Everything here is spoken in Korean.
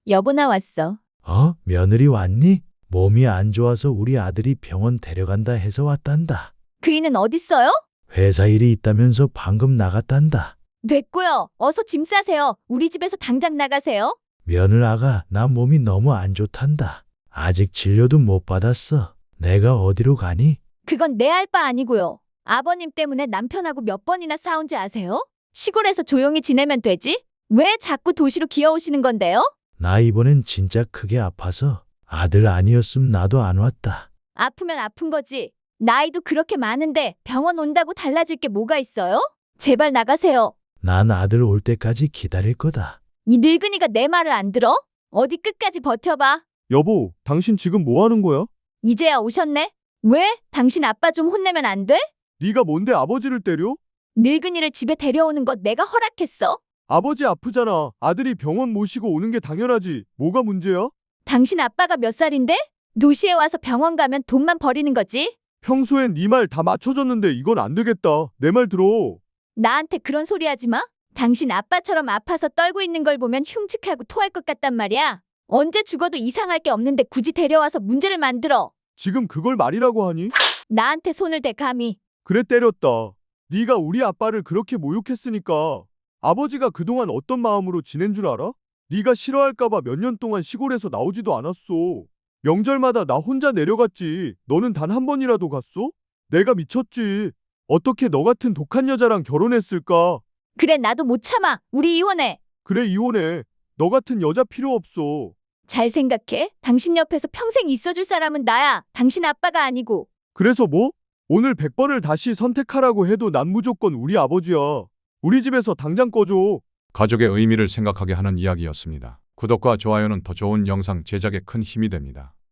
여보 나왔어. 며느리 왔니? 몸이 안 좋아서 우리 아들이 병원 데려간다 해서 왔단다. 그이는 어딨어요? 회사 일이 있다면서 방금 나갔단다. 됐고요. 어서 짐 싸세요. 우리 집에서 당장 나가세요. 며느라가 나 몸이 너무 안 좋단다. 아직 진료도 못 받았어. 내가 어디로 가니? 그건 내 알 바 아니고요. 아버님 때문에 남편하고 몇 번이나 싸운지 아세요? 시골에서 조용히 지내면 되지? 왜 자꾸 도시로 기어오시는 건데요? 나 이번엔 진짜 크게 아파서 아들 아니었음 나도 안 왔다. 아프면 아픈 거지. 나이도 그렇게 많은데 병원 온다고 달라질 게 뭐가 있어요? 제발 나가세요. 난 아들 올 때까지 기다릴 거다. 이 늙은이가 내 말을 안 들어? 어디 끝까지 버텨봐. 여보, 당신 지금 뭐 하는 거야? 이제야 오셨네? 왜? 당신 아빠 좀 혼내면 안 돼? 네가 뭔데 아버지를 때려? 늙은이를 집에 데려오는 거 내가 허락했어? 아버지 아프잖아. 아들이 병원 모시고 오는 게 당연하지. 뭐가 문제야? 당신 아빠가 몇 살인데? 도시에 와서 병원 가면 돈만 버리는 거지? 평소엔 네 말 다 맞춰줬는데 이건 안 되겠다. 내 말 들어. 나한테 그런 소리 하지 마. 당신 아빠처럼 아파서 떨고 있는 걸 보면 흉측하고 토할 것 같단 말이야. 언제 죽어도 이상할 게 없는데 굳이 데려와서 문제를 만들어. 지금 그걸 말이라고 하니? 나한테 손을 대 감히. 그래 때렸다. 네가 우리 아빠를 그렇게 모욕했으니까 아버지가 그동안 어떤 마음으로 지낸 줄 알아? 네가 싫어할까 봐 몇 년 동안 시골에서 나오지도 않았어. 명절마다 나 혼자 내려갔지. 너는 단 한 번이라도 갔어? 내가 미쳤지. 어떻게 너 같은 독한 여자랑 결혼했을까? 그래 나도 못 참아. 우리 이혼해. 그래 이혼해. 너 같은 여자 필요 없어. 잘 생각해. 당신 옆에서 평생 있어줄 사람은 나야. 당신 아빠가 아니고. 그래서 뭐? 오늘 100번을 다시 선택하라고 해도 난 무조건 우리 아버지야. 우리 집에서 당장 꺼줘. 가족의 의미를 생각하게 하는 이야기였습니다. 구독과 좋아요는 더 좋은 영상 제작에 큰 힘이 됩니다.